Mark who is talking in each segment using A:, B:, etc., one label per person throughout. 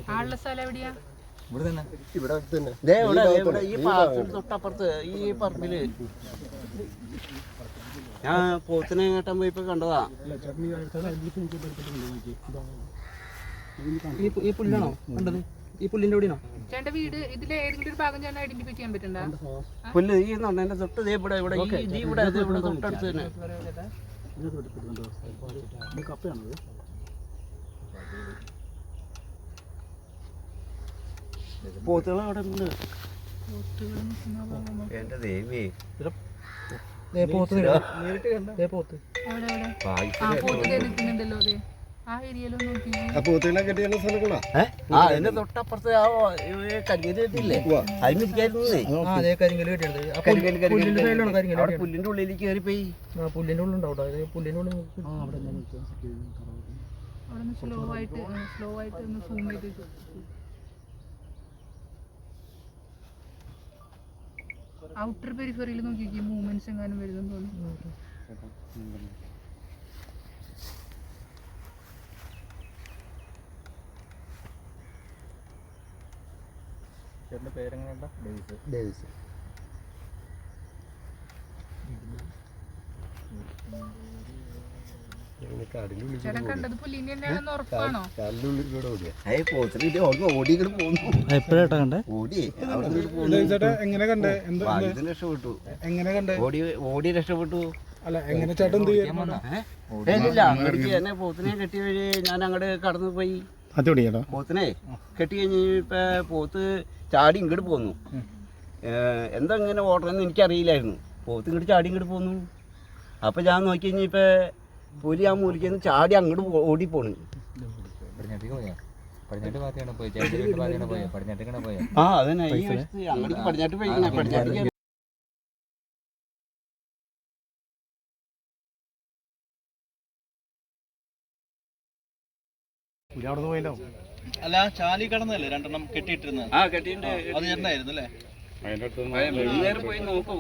A: ആളുള്ള സ്ഥലം എവിടെയാ?
B: ഈ പാർക്കിന് തൊട്ടപ്പുറത്ത് ഈ പറമ്പില് ഞാൻ പോത്തിനെ കേട്ടാൻ പോയിപ്പോ കണ്ടതാ. ഈ പുല്ലാണോ കണ്ടത്? ഈ പുല്ലിന്റെ കൂടിയാണോ
A: ചേട്ടന്റെ വീട്? ഇതിലെ ഏതെങ്കിലും ഒരു ഭാഗം ചേട്ടൻ ഐഡന്റിഫൈ ചെയ്യാൻ പറ്റുന്നുണ്ടോ?
B: പുല്ല് ഈ എന്റെ തൊട്ട് ഇവിടെ ഇവിടെ ഇവിടെ തൊട്ടടുത്ത് തന്നെ. പോത്തുകൾ അവിടെ ഉണ്ട്. എന്റെ ദേവി
A: നിൽക്കുന്നുണ്ടല്ലോ അതെ. ആ ഏരിയയിലൊന്നും
B: അതിന്റെ തൊട്ടപ്പുറത്ത് ആ കരിങ്കല് കെട്ടില്ലേ അതിനിരിക്കായിരുന്നേ. പുല്ലിന്റെ ഉള്ളിലേക്ക് കയറിപ്പോയി.
A: പുല്ലിന്റെ ഉള്ളുണ്ടാവും. പുല്ലിന്റെ ഉള്ളിൽ സ്ലോ ആയിട്ട് ഒന്ന് സൂം ചെയ്ത് ഔട്ടർ പെരിഫറിയിൽ നോക്കി മൂവ്മെന്റ്സ് എങ്ങാനും വരുന്നെന്ന് തോന്നുന്നു.
C: ഡേവിസ്.
A: ചേട്ടൻ കണ്ടത് പുല്ലിനെ തന്നെയാണെന്ന് ഉറപ്പാണോ?
B: എപ്പോഴാ കണ്ടേ? ഓടി രക്ഷപ്പെട്ടു.
C: അല്ല എങ്ങനെ ചേട്ടൻ
B: എന്നെ പോത്തിനെ കെട്ടി വഴി ഞാൻ അങ്ങോട്ട് കടന്നു പോയി. പോത്തിനെ കെട്ടി കഴിഞ്ഞ് ഇപ്പൊ പോത്ത് ചാടി ഇങ്ങോട്ട് പോന്നു. എന്താ ഇങ്ങനെ ഓടണമെന്ന് എനിക്കറിയില്ലായിരുന്നു. പോത്ത് ഇങ്ങോട്ട് ചാടി ഇങ്ങോട്ട് പോന്നു. അപ്പൊ ഞാൻ നോക്കി കഴിഞ്ഞ ഇപ്പൊ പുലി ആ മൂലിക്കുന്ന ചാടി അങ്ങോട്ട് ഓടിപ്പോണ്. ആ അതന്നെ അങ്ങോട്ട് പടിഞ്ഞാട്ട് പോയി. പടിഞ്ഞാട്ട്
D: അല്ല ചാലി കടന്നല്ലേ രണ്ടെണ്ണം കെട്ടിയിട്ടിരുന്നത്?
B: ആ കെട്ടിയിട്ട്
D: അത് ചേട്ടനായിരുന്നു അല്ലേ?
B: വൈകുന്നേരം പോയി നോക്കും.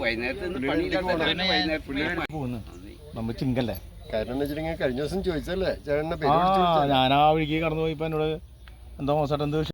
C: നമ്മൾ ചിങ്കല്ലേ
E: കാരണം വെച്ചിട്ടുണ്ടെങ്കിൽ കഴിഞ്ഞ ദിവസം ചോദിച്ചല്ലേ ചേട്ടന്റെ
C: ഞാൻ ആ വഴിക്ക് കടന്നു പോയിപ്പോ എന്നോട് എന്തോ മോശമായിട്ട് എന്തോ